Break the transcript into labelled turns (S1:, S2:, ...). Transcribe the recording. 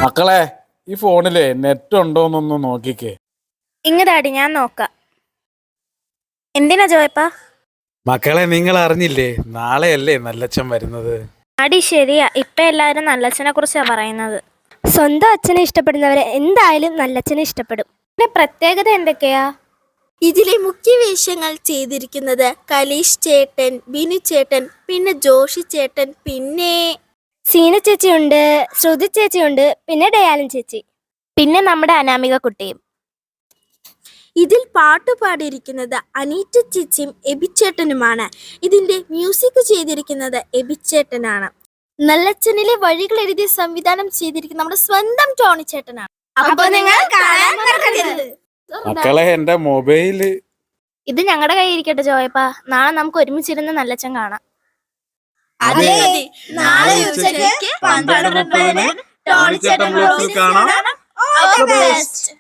S1: മക്കളെ, ഈ ഫോണിലെ നെറ്റ് ഉണ്ടോന്നൊന്ന് നോക്കിക്കേ.
S2: ഇങ്ങടാടി, ഞാൻ നോക്കാം. എന്തിനാ ജോയപ്പാ?
S1: മക്കളെ, നിങ്ങൾ അറിഞ്ഞില്ലേ, നാളെയല്ലേ നല്ലച്ഛൻ വരുന്നത്?
S2: അടി ശരിയാ, ഇപ്പൊ എല്ലാരും നല്ലച്ഛനെ കുറിച്ചാ പറയുന്നത്.
S3: സ്വന്തം അച്ഛനെ ഇഷ്ടപ്പെടുന്നവരെ എന്തായാലും നല്ലച്ഛനെ ഇഷ്ടപ്പെടും.
S2: പിന്നെ പ്രത്യേകത എന്തൊക്കെയാ?
S4: ഇതിലെ മുഖ്യ വേഷങ്ങൾ ചെയ്തിരിക്കുന്നത് കലീഷ് ചേട്ടൻ, ബിനു ചേട്ടൻ, പിന്നെ ജോഷി ചേട്ടൻ, പിന്നെ
S3: സീന ചേച്ചിയുണ്ട്, ശ്രുതി ചേച്ചിയുണ്ട്, പിന്നെ ഡയാലൻ ചേച്ചി,
S2: പിന്നെ നമ്മുടെ അനാമിക കുട്ടിയും.
S4: ഇതിൽ പാട്ട് പാടിയിരിക്കുന്നത് അനീറ്റ ചേച്ചിയും എബിച്ചേട്ടനുമാണ്. ഇതിന്റെ മ്യൂസിക് ചെയ്തിരിക്കുന്നത് എബിച്ചേട്ടനാണ്. നല്ലച്ഛനിലെ വഴികൾ എഴുതി സംവിധാനം ചെയ്തിരിക്കുന്ന നമ്മുടെ സ്വന്തം ടോണി ചേട്ടനാണ്. അപ്പൊ നിങ്ങൾ കാണാൻ മറക്കരുത്.
S1: മക്കളെ, എന്റെ മൊബൈല്
S2: ഇത് ഞങ്ങളുടെ കയ്യിൽ ഇരിക്കട്ടെ ജോയപ്പാ, നാളെ നമുക്ക് ഒരുമിച്ചിരുന്ന് നല്ലച്ഛൻ കാണാം.
S4: അതെ, നാളെ ഉച്ചയ്ക്ക് 12:30 ടോണി ചേട്ടൻ വ്ലോഗ്സിൽ കാണാം. All the best.